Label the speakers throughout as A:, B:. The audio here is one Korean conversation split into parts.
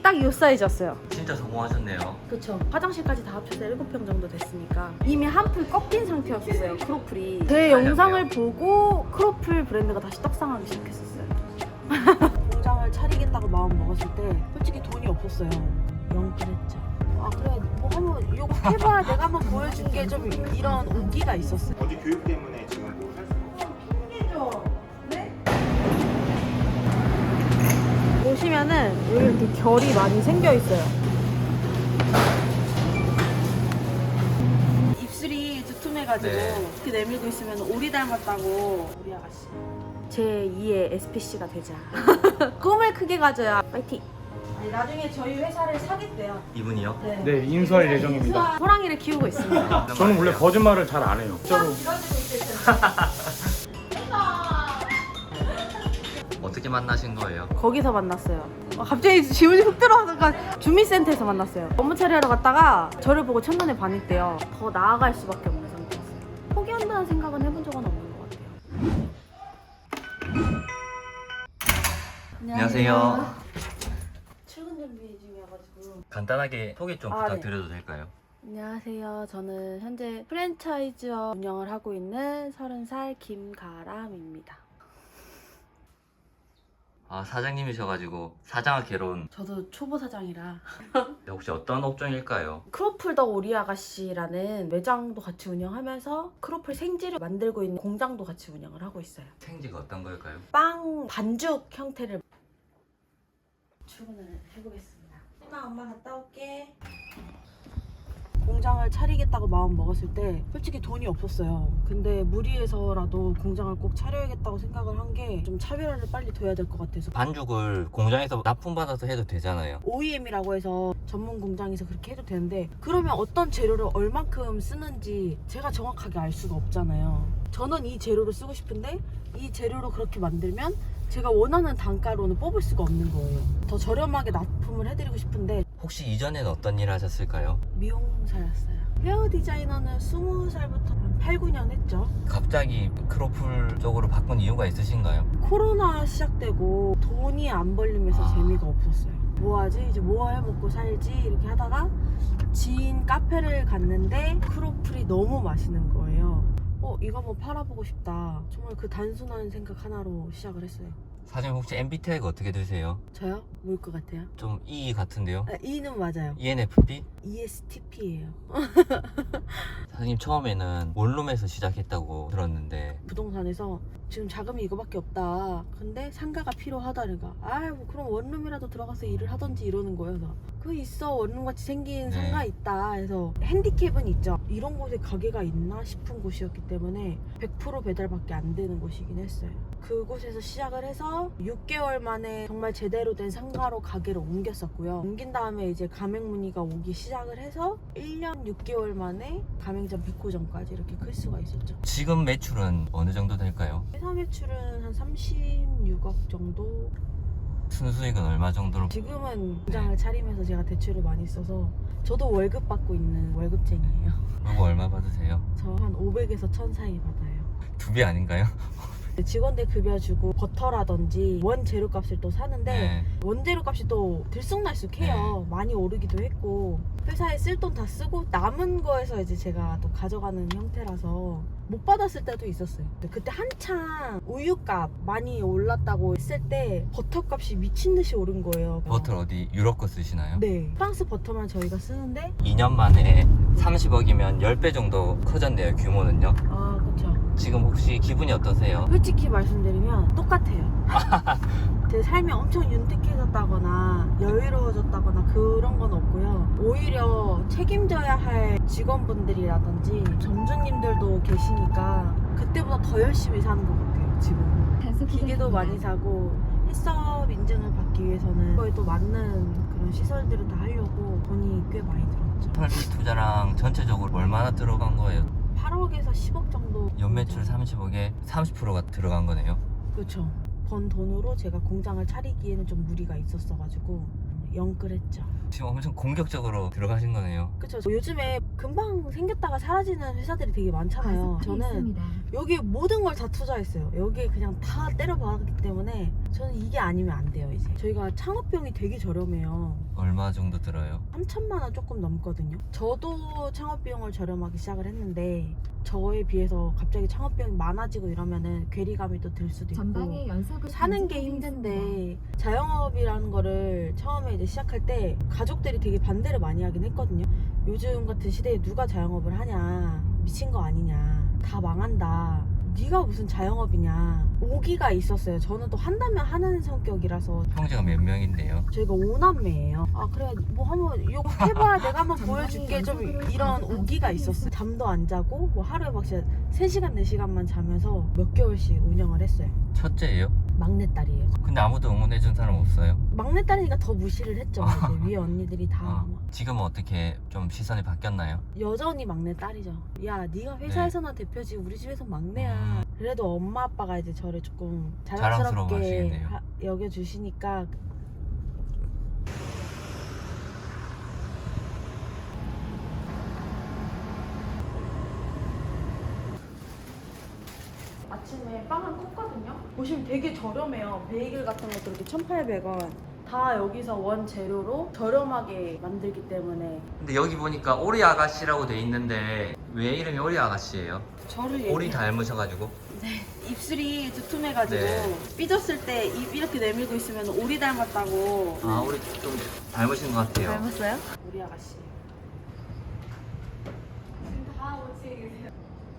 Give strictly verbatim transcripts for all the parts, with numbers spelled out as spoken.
A: 딱 이 사이즈였어요.
B: 진짜 성공하셨네요.
A: 그쵸. 화장실까지 다 합쳐서 일곱 평 정도 됐으니까 이미 한 풀 꺾인 상태였어요. 크로플이. 제 영상을 보고 크로플 브랜드가 다시 떡상하기 시작했었어요. 공장을 차리겠다고 마음 먹었을 때 솔직히 돈이 없었어요. 영끌했죠. 아 그래 뭐 한번 이거 해봐야 내가 한번 보여준 게 좀 이런 온기가 있었어요.
C: 어디 교육 때문에 지금 뭐 살 수가 없어요.
A: 네? 보시면은 여기 이렇게 결이 많이 생겨 있어요. 입술이 두툼해가지고
B: 네.
A: 이렇게 내밀고 있으면 오리 닮았다고 우리 아가씨. 제이의 에스피씨가 되자. 꿈을 크게 가져야 파이팅. 아니, 나중에 저희 회사를 사겠대요.
B: 이분이요?
A: 네,
D: 네, 인수할 예정입니다.
A: 호랑이를 키우고 있습니다.
D: 저는 원래 거짓말을 잘 안 해요. 진짜로.
B: 어떻게 만나신 거예요?
A: 거기서 만났어요. 어, 갑자기 지문이 훅 들어와서 주민센터에서 만났어요. 업무 처리하러 갔다가 저를 보고 첫눈에 반했대요. 더 나아갈 수밖에 없는 상태였어요. 포기한다는 생각은 해본 적은 없는 것 같아요.
B: 안녕하세요.
A: 출근 준비 중이어가지고.
B: 간단하게 소개 좀
A: 아,
B: 부탁드려도 될까요?
A: 안녕하세요. 저는 현재 프랜차이즈업 운영을 하고 있는 서른 살 김가람입니다.
B: 아, 사장님이셔가지고 사장아 개론.
A: 저도 초보 사장이라
B: 혹시 어떤 업종일까요?
A: 크로플 더 오리 아가씨라는 매장도 같이 운영하면서 크로플 생지를 만들고 있는 공장도 같이 운영을 하고 있어요.
B: 생지가 어떤 걸까요?
A: 빵 반죽 형태를 출근을 해보겠습니다. 엄마 엄마 갔다 올게. 공장을 차리겠다고 마음 먹었을 때 솔직히 돈이 없었어요. 근데 무리해서라도 공장을 꼭 차려야겠다고 생각을 한 게 좀 차별화를 빨리 둬야 될 것 같아서
B: 반죽을 공장에서 납품받아서 해도 되잖아요.
A: 오이엠이라고 해서 전문 공장에서 그렇게 해도 되는데 그러면 어떤 재료를 얼만큼 쓰는지 제가 정확하게 알 수가 없잖아요. 저는 이 재료를 쓰고 싶은데 이 재료로 그렇게 만들면 제가 원하는 단가로는 뽑을 수가 없는 거예요. 더 저렴하게 납품을 해드리고 싶은데
B: 혹시 이전에는 어떤 일을 하셨을까요?
A: 미용사였어요. 헤어 디자이너는 스무 살부터 한 팔, 구 년 했죠.
B: 갑자기 크로플 쪽으로 바꾼 이유가 있으신가요?
A: 코로나 시작되고 돈이 안 벌리면서
B: 아.
A: 재미가 없었어요. 뭐하지? 이제 뭐 해먹고 살지? 이렇게 하다가 지인 카페를 갔는데 크로플이 너무 맛있는 거예요. 어 이거 한번 팔아보고 싶다. 정말 그 단순한 생각 하나로 시작을 했어요.
B: 사장님 혹시 엠비티아이가 어떻게 되세요?
A: 저요? 뭘 것 같아요?
B: 좀 E 같은데요?
A: 아, E는 맞아요.
B: 이엔에프피?
A: 이에스티피예요.
B: 사장님 처음에는 원룸에서 시작했다고 들었는데
A: 부동산에서 지금 자금이 이거밖에 없다. 근데 상가가 필요하다니까. 아이 뭐 그럼 원룸이라도 들어가서 일을 하던지 이러는 거예요. 그래서 그 있어 원룸같이 생긴
B: 네.
A: 상가 있다. 해서 핸디캡은 있죠. 이런 곳에 가게가 있나 싶은 곳이었기 때문에 백 퍼센트 배달밖에 안 되는 곳이긴 했어요. 그곳에서 시작을 해서 육 개월 만에 정말 제대로 된 상가로 가게를 옮겼었고요. 옮긴 다음에 이제 가맹 문의가 오기 시작을 해서 일 년 육 개월 만에 가맹점 백호점까지 이렇게 클 수가 있었죠.
B: 지금 매출은 어느 정도 될까요?
A: 회사 매출은 한 삼십육억 정도.
B: 순수익은 얼마 정도로?
A: 지금은 공장을 차리면서 제가 대출을 많이 써서 저도 월급 받고 있는 월급쟁이에요.
B: 그리고 얼마 받으세요?
A: 저 한 오백에서 천 사이 받아요.
B: 두 배 아닌가요?
A: 직원들 급여 주고 버터라든지 원재료 값을 또 사는데
B: 네.
A: 원재료 값이 또 들쑥날쑥해요.
B: 네.
A: 많이 오르기도 했고 회사에 쓸 돈 다 쓰고 남은 거에서 이제 제가 또 가져가는 형태라서 못 받았을 때도 있었어요. 그때 한창 우유값 많이 올랐다고 했을 때 버터값이 미친 듯이 오른 거예요.
B: 버터 어디 유럽 거 쓰시나요?
A: 네, 프랑스 버터만 저희가 쓰는데
B: 이 년 만에 삼십억이면 십 배 정도 커졌네요, 규모는요.
A: 아 그쵸.
B: 지금 혹시 기분이 어떠세요?
A: 솔직히 말씀드리면 똑같아요. 제 삶이 엄청 윤택해졌다거나 여유로워졌다거나 그런 건 없고요. 오히려 책임져야 할 직원분들이라든지 점주님들도 계시니까 그때보다 더 열심히 사는 것 같아요. 지금 기계도 많이 사고 햇섭 인증을 받기 위해서는 그거에 또 맞는 그런 시설들을 다 하려고 돈이 꽤 많이 들었죠.
B: 설비 투자랑 전체적으로 얼마나 들어간 거예요?
A: 팔억에서 십억 정도.
B: 연매출 삼십억에 삼십 퍼센트가 들어간 거네요.
A: 그렇죠. 번 돈으로 제가 공장을 차리기에는 좀 무리가 있었어가지고 영끌했죠.
B: 지금 엄청 공격적으로 들어가신 거네요.
A: 그쵸. 요즘에 금방 생겼다가 사라지는 회사들이 되게 많잖아요. 저는 여기에 모든 걸 다 투자했어요. 여기에 그냥 다 때려박았기 때문에 저는 이게 아니면 안 돼요. 이제 저희가 창업비용이 되게 저렴해요.
B: 얼마 정도 들어요?
A: 삼천만 원 조금 넘거든요. 저도 창업비용을 저렴하게 시작을 했는데 저에 비해서 갑자기 창업비용이 많아지고 이러면은 괴리감이 또 들 수도 있고
E: 전방에 연석을
A: 사는 게 힘든데 자영업이라는 거를 처음에 이제 시작할 때 가족들이 되게 반대를 많이 하긴 했거든요. 요즘 같은 시대에 누가 자영업을 하냐, 미친 거 아니냐, 다 망한다, 네가 무슨 자영업이냐, 오기가 있었어요. 저는 또 한다면 하는 성격이라서.
B: 형제가 몇 명인데요?
A: 저희가 오남매예요. 아 그래 뭐 한번 이거 해봐야 내가 한번 보여준 게 좀 이런 오기가 있었어요. 잠도 안 자고 뭐 하루에 막 진짜 세 시간 네 시간만 자면서 몇 개월씩 운영을 했어요.
B: 첫째예요?
A: 막내딸이에요.
B: 근데 아무도 응원해준 사람 없어요?
A: 막내딸이니까 더 무시를 했죠. 이제 위에 언니들이 다
B: 아,
A: 막.
B: 지금은 어떻게 좀 시선이 바뀌었나요?
A: 여전히 막내딸이죠. 야 네가 회사에서나 대표지 우리 집에서 막내야.
B: 음.
A: 그래도 엄마 아빠가 이제 저를 조금
B: 자랑스러워
A: 자랑스럽게
B: 하시겠네요.
A: 하- 여겨주시니까. 아침에 빵을 굽거든요. 보시면 되게 저렴해요. 베이글 같은 것도 이렇게 천팔백 원. 다 여기서 원 재료로 저렴하게 만들기 때문에.
B: 근데 여기 보니까 오리 아가씨라고 돼 있는데 왜 이름이 오리 아가씨예요?
A: 저를
B: 오리 닮으셔가지고.
A: 네, 입술이 두툼해가지고
B: 네.
A: 삐졌을 때 입 이렇게 내밀고 있으면 오리 닮았다고.
B: 아 오리 좀 닮으신 것 같아요.
A: 닮았어요? 우리 아가씨. 다 오지 계세요.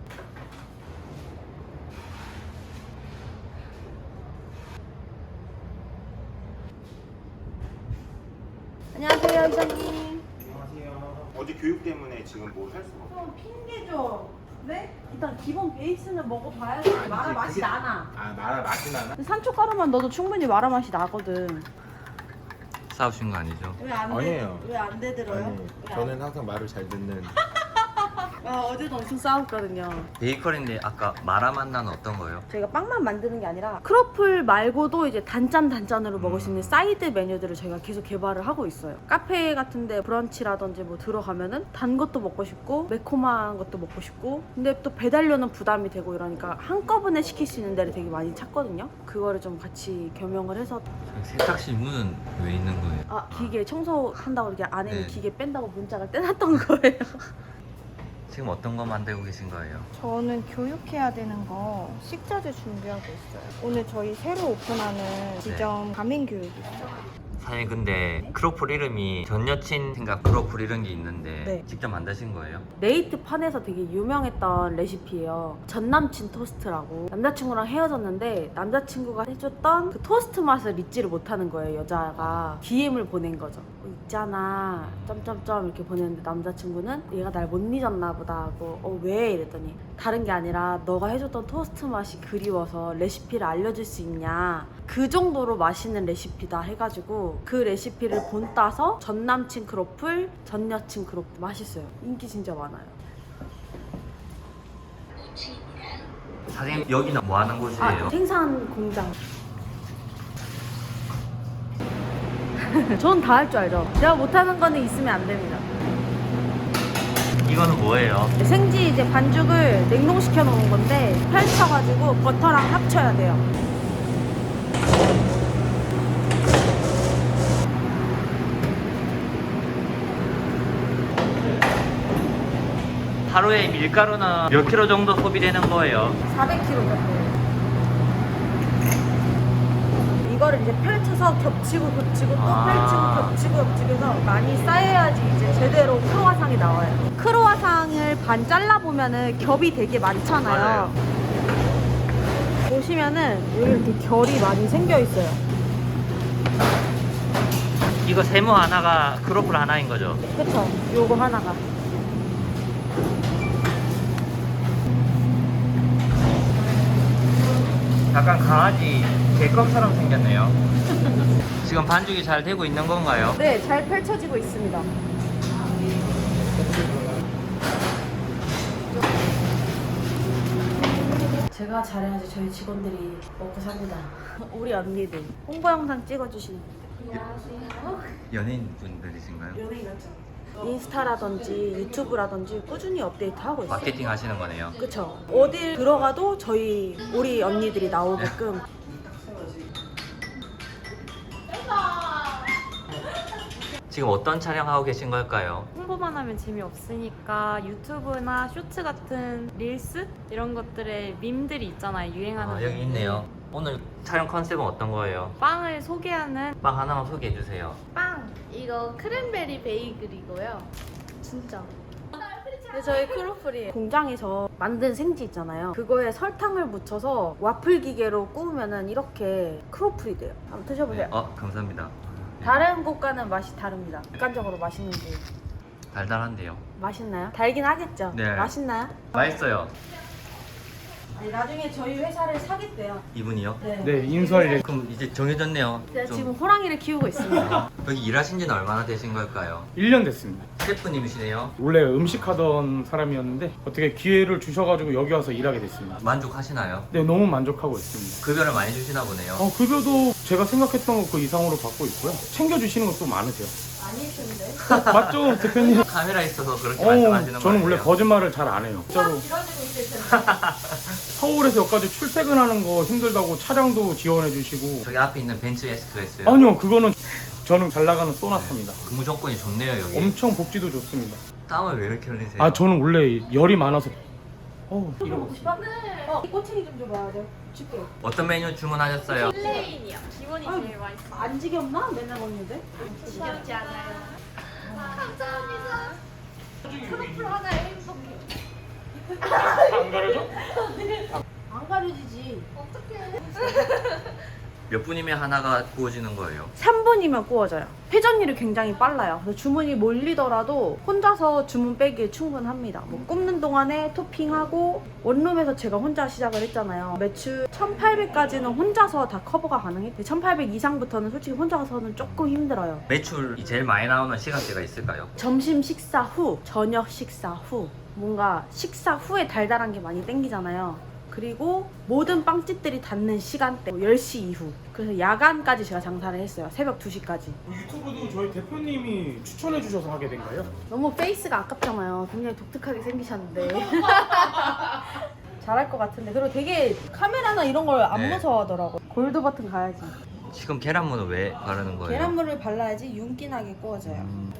A: 안녕하세요, 이사님.
C: 안녕하세요. 어제 교육 때문에 지금 뭐 할 수가 없어요.
A: 좀 핑계죠. 네? 일단 기본 베이스는 먹어봐야지.
C: 아니지,
A: 마라 맛이
C: 그게-
A: 나나.
C: 아, 마라 맛이 나나?
A: 산초가루만 넣어도 충분히 마라 맛이 나거든.
B: 싸우신 거 아니죠?
A: 왜안
C: 아니에요.
A: 왜안 되들어요?
C: 아니,
A: 왜 안-
C: 저는 항상 말을 잘 듣는.
A: 아, 어제도 엄청 싸웠거든요.
B: 베이커리인데 아까 마라 맛 나는 어떤 거예요?
A: 저희가 빵만 만드는 게 아니라 크로플 말고도 이제 단짠 단짠으로 먹을 수 있는 사이드 메뉴들을 저희가 계속 개발을 하고 있어요. 카페 같은데 브런치라든지 뭐 들어가면은 단 것도 먹고 싶고 매콤한 것도 먹고 싶고, 근데 또 배달료는 부담이 되고 이러니까 한꺼번에 시킬 수 있는 데를 되게 많이 찾거든요. 그거를 좀 같이 겸용을 해서.
B: 세탁실 문은 왜 있는 거예요?
A: 아, 기계 청소한다고 이렇게 안에 있는
B: 네.
A: 기계 뺀다고 문자가 떼놨던 거예요.
B: 지금 어떤 거 만들고 계신 거예요?
F: 저는 교육해야 되는 거 식자재 준비하고 있어요. 오늘 저희 새로 오픈하는 지점 가민 교육이 있어요.
B: 사장님 근데 크로플 이름이 전 여친 생각 크로플 이런 게 있는데
A: 네.
B: 직접 만드신 거예요?
A: 네이트판에서 되게 유명했던 레시피예요. 전남친 토스트라고. 남자친구랑 헤어졌는데 남자친구가 해줬던 그 토스트 맛을 잊지를 못하는 거예요. 여자가 디엠을 보낸 거죠. 어, 있잖아 점점점 이렇게 보냈는데 남자친구는 얘가 날 못 잊었나 보다 하고 어 왜? 이랬더니 다른 게 아니라 너가 해줬던 토스트 맛이 그리워서 레시피를 알려줄 수 있냐, 그 정도로 맛있는 레시피다 해가지고 그 레시피를 본따서 전남친 크로플, 전여친 크로플 맛있어요. 인기 진짜 많아요.
B: 사장님 여기는 뭐 하는 곳이에요?
A: 아, 생산 공장. 전 다 할 줄 알죠. 제가 못하는 거는 있으면 안 됩니다.
B: 이거는 뭐예요?
A: 생지 이제 반죽을 냉동시켜 놓은 건데 펼쳐가지고 버터랑 합쳐야 돼요.
B: 하루에 밀가루는 몇 킬로 정도 소비되는 거예요?
A: 사백 킬로그램 정도. 이거를 이제 펼쳐서 겹치고 겹치고 또
B: 아.
A: 펼치고 겹치고 겹치고서 많이 쌓여야지 이제 제대로 크로와상이 나와요. 크로와상을 반 잘라보면은 겹이 되게 많잖아요.
B: 맞아요.
A: 보시면은 여기 이렇게 결이 많이 생겨 있어요.
B: 이거 세모 하나가 크로플 하나인 거죠?
A: 그쵸? 요거 하나가.
B: 약간 강아지 개껌처럼 생겼네요. 지금 반죽이 잘 되고 있는 건가요?
A: 네, 잘 펼쳐지고 있습니다. 제가 잘해야지 저희 직원들이 먹고 삽니다. 우리 언니들 홍보 영상 찍어주시는 분들. 안녕하세요.
B: 연예인 분들이신가요?
A: 연예인 같죠? 인스타라든지 유튜브라든지 꾸준히 업데이트하고 있어요.
B: 마케팅 하시는 거네요.
A: 그쵸? 어딜 들어가도 저희 우리 언니들이 나오게끔.
B: 지금 어떤 촬영하고 계신 걸까요?
E: 홍보만 하면 재미없으니까 유튜브나 쇼츠 같은 릴스 이런 것들에 밈들이 있잖아요. 유행하는
B: 아, 여기 있네요. 오늘 촬영 컨셉은 어떤 거예요?
E: 빵을 소개하는
B: 빵 하나만 소개해 주세요.
G: 빵! 이거 크랜베리 베이글이고요. 진짜.
A: 네, 저희 크로플이 공장에서 만든 생지 있잖아요. 그거에 설탕을 묻혀서 와플 기계로 구우면은 이렇게 크로플이 돼요. 한번 드셔보세요.
B: 네, 어, 감사합니다.
A: 다른 곳과는 맛이 다릅니다. 객관적으로 맛있는지.
B: 달달한데요.
A: 맛있나요? 달긴 하겠죠?
B: 네.
A: 맛있나요?
B: 맛있어요.
A: 아니, 나중에 저희 회사를 사겠대요.
B: 이분이요?
A: 네.
D: 네, 인수할 예
B: 그럼 이제 정해졌네요.
A: 제가
B: 좀-
A: 지금 호랑이를 키우고 있습니다.
B: 여기 일하신 지는 얼마나 되신 걸까요?
D: 일 년 됐습니다.
B: 셰프님이시네요.
D: 원래 음식 하던 사람이었는데 어떻게 기회를 주셔가지고 여기 와서 일하게 됐습니다.
B: 만족하시나요?
D: 네, 너무 만족하고 있습니다.
B: 급여를 많이 주시나 보네요.
D: 어, 급여도 제가 생각했던 것 그 이상으로 받고 있고요. 챙겨주시는 것도 많으세요.
A: 아닐 텐데.
D: 맞죠, 대표님?
B: 카메라 있어서 그렇게
D: 어,
B: 말씀하시는
D: 저는
B: 거예요.
D: 원래 거짓말을 잘 안 해요. 진짜로.
A: 길어지고 있을 텐데.
D: 서울에서 여기까지 출퇴근하는 거 힘들다고 차량도 지원해 주시고.
B: 저기 앞에 있는 벤츠 에스프레소요.
D: 아니요, 그거는 저는 잘 나가는 소나타입니다.
B: 근무 조건이 좋네요 여기.
D: 엄청 복지도 좋습니다.
B: 땀을 왜 이렇게 흘리세요?
D: 아, 저는 원래 열이 많아서. 어, 이러고.
A: 먹고 싶어? 어, 꼬챙이 좀 줘봐. 내가 줄게.
B: 어떤 메뉴 주문하셨어요?
G: 플레인이요.
E: 기본이
A: 아유.
E: 제일 맛있어.
A: 안 지겹나? 맨날 먹는데?
G: 지겹지 않아요. 감사합니다. 크로플 하나에 행복해요.
D: 안 가려져?
A: 안 가려지지.
G: 어떡해.
B: 몇 분이면 하나가 구워지는 거예요?
A: 삼 분이면 구워져요. 회전율이 굉장히 빨라요. 그래서 주문이 몰리더라도 혼자서 주문 빼기에 충분합니다. 뭐 굽는 동안에 토핑하고, 원룸에서 제가 혼자 시작을 했잖아요. 매출 천팔백까지는 혼자서 다 커버가 가능해요. 천팔백 이상부터는 솔직히 혼자서는 조금 힘들어요.
B: 매출이 제일 많이 나오는 시간대가 있을까요?
A: 점심 식사 후, 저녁 식사 후, 뭔가 식사 후에 달달한 게 많이 땡기잖아요. 그리고 모든 빵집들이 닫는 시간대 열 시 이후. 그래서 야간까지 제가 장사를 했어요. 새벽 두 시까지.
D: 유튜브도 저희 대표님이 추천해 주셔서 하게 된가요?
A: 너무 페이스가 아깝잖아요. 굉장히 독특하게 생기셨는데. 잘할 것 같은데. 그리고 되게 카메라나 이런 걸 안
B: 네.
A: 무서워하더라고. 골드 버튼 가야지.
B: 지금 계란물은 왜 바르는 거예요?
A: 계란물을 발라야지 윤기나게 구워져요.
B: 음,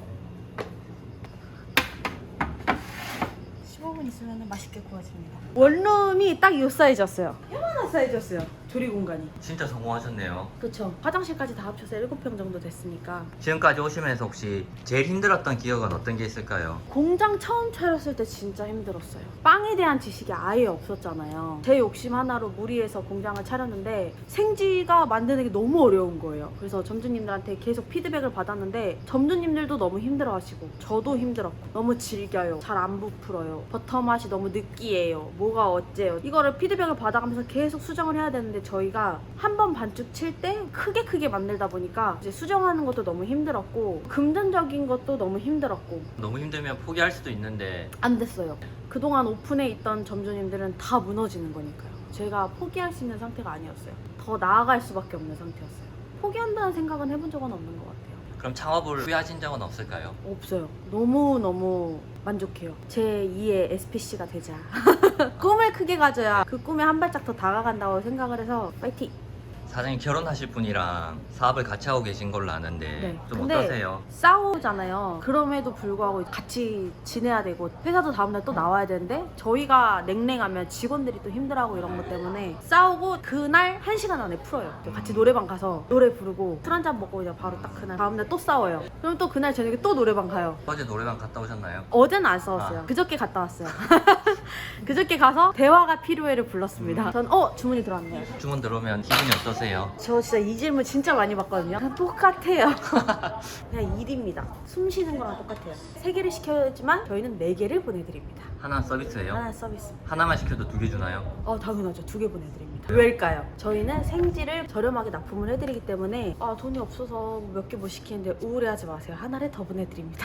A: 십오 분 있으면 맛있게 구워집니다. 원룸이 딱 이 사이즈였어요. 요만한 사이즈였어요. 조리 공간이.
B: 진짜 성공하셨네요.
A: 그쵸. 화장실까지 다 합쳐서 일곱 평 정도 됐으니까.
B: 지금까지 오시면서 혹시 제일 힘들었던 기억은 어떤 게 있을까요?
A: 공장 처음 차렸을 때 진짜 힘들었어요. 빵에 대한 지식이 아예 없었잖아요. 제 욕심 하나로 무리해서 공장을 차렸는데 생지가 만드는 게 너무 어려운 거예요. 그래서 점주님들한테 계속 피드백을 받았는데 점주님들도 너무 힘들어하시고 저도 힘들었고, 너무 질겨요, 잘 안 부풀어요, 버터 맛이 너무 느끼해요, 뭐가 어째요, 이거를 피드백을 받아가면서 계속 수정을 해야 되는데 저희가 한 번 반죽 칠 때 크게 크게 만들다 보니까 이제 수정하는 것도 너무 힘들었고, 금전적인 것도 너무 힘들었고,
B: 너무 힘들면 포기할 수도 있는데
A: 안 됐어요. 그동안 오픈에 있던 점주님들은 다 무너지는 거니까요. 제가 포기할 수 있는 상태가 아니었어요. 더 나아갈 수밖에 없는 상태였어요. 포기한다는 생각은 해본 적은 없는 것 같아요.
B: 그럼 창업을 후회하신 적은 없을까요?
A: 없어요. 너무너무 만족해요. 제이의 에스피씨가 되자. 꿈을 크게 가져야 그 꿈에 한 발짝 더 다가간다고 생각을 해서 파이팅!
B: 사장님 결혼하실 분이랑 사업을 같이 하고 계신 걸로 아는데
A: 네.
B: 좀
A: 근데
B: 어떠세요?
A: 싸우잖아요. 그럼에도 불구하고 같이 지내야 되고 회사도 다음날 또 나와야 되는데 저희가 냉랭하면 직원들이 또 힘들어하고 이런 것 때문에 싸우고 그날 한 시간 안에 풀어요. 같이 노래방 가서 노래 부르고 술 한잔 먹고 이제 바로 딱 그날 다음날 또 싸워요. 그럼 또 그날 저녁에 또 노래방 가요.
B: 어제 노래방 갔다 오셨나요?
A: 어제는 안 싸웠어요.
B: 아.
A: 그저께 갔다 왔어요. 그저께 가서 대화가 필요해를 불렀습니다. 전 어? 주문이 들어왔네요.
B: 주문 들어오면 기분이 어떠세요?
A: 저 진짜 이 질문 진짜 많이 받거든요. 그냥 똑같아요. 그냥 일입니다. 숨 쉬는 거랑 똑같아요. 세 개를 시켜야지만 저희는 네 개를 보내드립니다.
B: 하나 서비스예요?
A: 하나 서비스.
B: 하나만 시켜도 두 개 주나요?
A: 어 당연하죠. 두 개 보내드립니다. 왜일까요? 저희는 생지를 저렴하게 납품을 해드리기 때문에 아 돈이 없어서 몇 개 못 시키는데 우울해하지 마세요. 하나를 더 보내드립니다.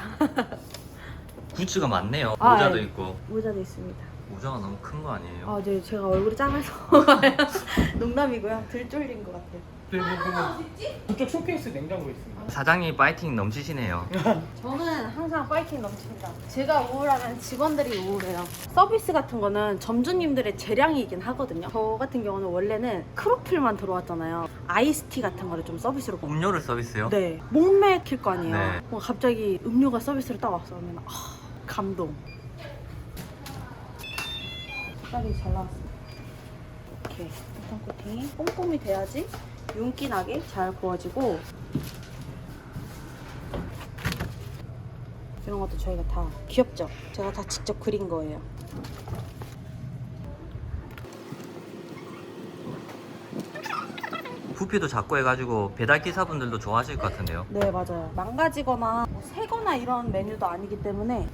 B: 굿즈가 많네요.
A: 아,
B: 모자도
A: 예.
B: 있고.
A: 모자도 있습니다.
B: 모자가 너무 큰 거 아니에요?
A: 아, 네, 제가 얼굴이 작아서 농담이고요. 들 쫄린 것 같아요.
D: 네, 뭐, 뭐, 저쪽 쇼케이스 냉장고에 있습니다.
B: 사장님 파이팅 넘치시네요.
A: 저는 항상 파이팅 넘칩니다. 제가 우울하면 직원들이 우울해요. 서비스 같은 거는 점주님들의 재량이긴 하거든요. 저 같은 경우는 원래는 크로플만 들어왔잖아요. 아이스티 같은 거를 좀 서비스로
B: 음료를 서비스요?
A: 네, 목 맥힐 거 아니에요.
B: 네.
A: 뭐 갑자기 음료가 서비스로 딱 왔어. 그러면 아, 감동. 색깔이 잘 나왔어. 이렇게 일단 코팅이 꼼꼼히 돼야지 윤기 나게 잘 구워지고, 이런 것도 저희가 다 귀엽죠? 제가 다 직접 그린 거예요.
B: 부피도 작고 해가지고 배달기사분들도 좋아하실 것 같은데요.
A: 네, 맞아요. 망가지거나 뭐 새거나 이런 메뉴도 아니기 때문에.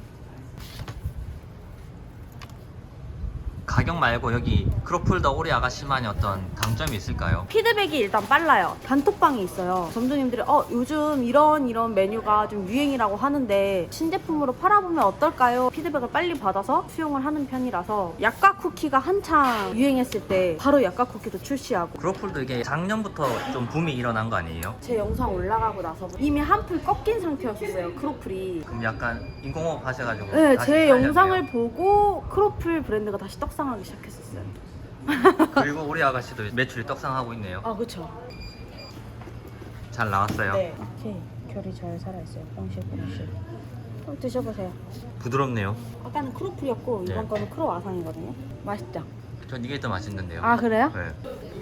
B: 가격 말고 여기 크로플 더 오리 아가씨만의 어떤 강점이 있을까요?
A: 피드백이 일단 빨라요. 단톡방이 있어요. 점주님들이 어 요즘 이런 이런 메뉴가 좀 유행이라고 하는데 신제품으로 팔아보면 어떨까요? 피드백을 빨리 받아서 수용을 하는 편이라서, 약과 쿠키가 한창 유행했을 때 바로 약과 쿠키도 출시하고.
B: 크로플도 이게 작년부터 좀 붐이 일어난 거 아니에요?
A: 제 영상 올라가고 나서 이미 한풀 꺾인 상태였었어요, 크로플이.
B: 그럼 약간 인공호흡 하셔가지고
A: 네,
B: 다시
A: 제
B: 살렸네요.
A: 영상을 보고 크로플 브랜드가 다시 떡상하기 시작했었어요.
B: 그리고 우리 아가씨도 매출이 떡상하고 있네요.
A: 아, 그쵸.
B: 잘 나왔어요.
A: 네. 오케이. 결이 잘 살아있어요. 빵실, 빵실. 한번 드셔보세요.
B: 부드럽네요.
A: 아까는 크로플이었고 이번
B: 네.
A: 거는 크로와상이거든요. 맛있죠?
B: 전 이게 더 맛있는데요.
A: 아, 그래요?
B: 네.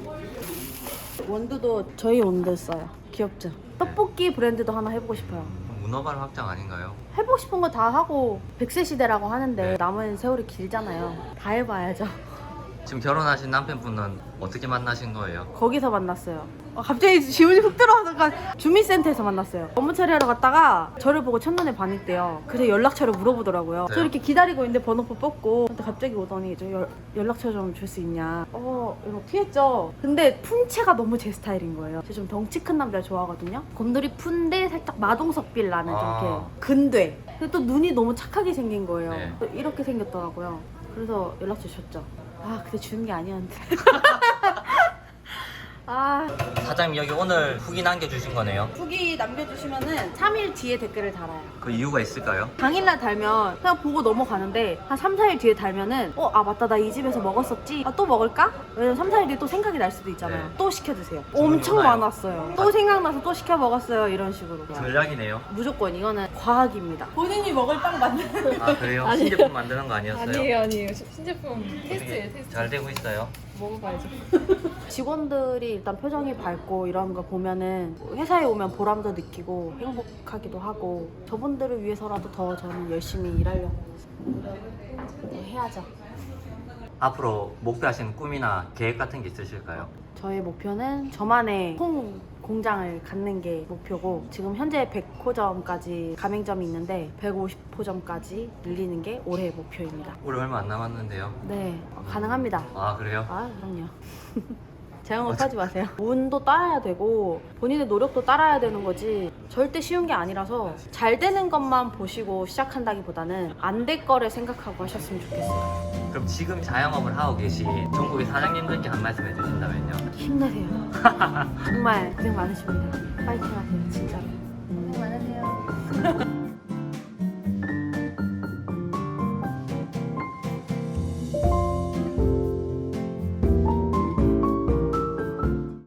A: 원두도 저희 원두 써요. 귀엽죠? 떡볶이 브랜드도 하나 해보고 싶어요.
B: 문어발 확장 아닌가요?
A: 해보고 싶은 거 다 하고 백 세 시대라고 하는데
B: 네.
A: 남은 세월이 길잖아요. 다 해봐야죠.
B: 지금 결혼하신 남편분은 어떻게 만나신 거예요?
A: 거기서 만났어요. 어, 갑자기 지문이 훅 들어와서 주민센터에서 만났어요. 업무 처리하러 갔다가 저를 보고 첫눈에 반했대요. 그래서 연락처를 물어보더라고요.
B: 네.
A: 저 이렇게 기다리고 있는데 번호표 뽑고, 근데 갑자기 오더니 저 연, 연락처 좀 줄 수 있냐. 어, 이거 피했죠. 근데 품체가 너무 제 스타일인 거예요. 제가 좀 덩치 큰 남자 좋아하거든요. 곰돌이 푼데 살짝 마동석빌 나는 좀
B: 아.
A: 이렇게 근돼. 근데 또 눈이 너무 착하게 생긴 거예요.
B: 네.
A: 또 이렇게 생겼더라고요. 그래서 연락처 줬죠. 아, 근데 주는 게 아니었는데. 아,
B: 사장님 여기 오늘 후기 남겨주신 거네요.
A: 후기 남겨주시면은 삼 일 뒤에 댓글을 달아요.
B: 그 이유가 있을까요?
A: 당일날 달면 그냥 보고 넘어가는데, 한 삼, 사 일 뒤에 달면은 어, 아 맞다, 나 이 집에서 먹었었지. 아, 또 먹을까? 왜냐면 삼, 사 일 뒤에 또 생각이 날 수도 있잖아요.
B: 네.
A: 또 시켜드세요.
B: 주문이
A: 엄청
B: 오나요?
A: 많았어요. 또 생각나서 또 시켜 먹었어요. 이런 식으로.
B: 전략이네요.
A: 무조건 이거는 과학입니다. 본인이 먹을 빵 만드는.
B: 아 그래요?
A: 아니에요.
B: 신제품 만드는 거 아니었어요?
E: 아니에요, 아니에요. 신제품 테스트예요, 테스트.
B: 잘 되고 있어요?
E: 먹어봐야죠.
A: 직원들이 일단 표정이 밝고 이런 거 보면은 회사에 오면 보람도 느끼고 행복하기도 하고, 저분들을 위해서라도 더 저는 열심히 일하려고 해야죠.
B: 앞으로 목표하시는 꿈이나 계획 같은 게 있으실까요?
A: 저의 목표는 저만의 콩 공장을 갖는 게 목표고, 지금 현재 백 호점까지 가맹점이 있는데 백오십 호점까지 늘리는 게 올해의 목표입니다.
B: 올해 얼마 안 남았는데요.
A: 네, 가능합니다.
B: 아 그래요?
A: 아, 그럼요. 자영업 하지 마세요. 운도 따라야 되고 본인의 노력도 따라야 되는 거지, 절대 쉬운 게 아니라서 잘 되는 것만 보시고 시작한다기보다는 안 될 거를 생각하고 하셨으면 좋겠어요.
B: 그럼 지금 자영업을 하고 계신 전국의 사장님들께 한 말씀 해주신다면요?
A: 힘내세요. 정말 고생 많으십니다. 파이팅 하세요, 진짜로. 고생 많으세요.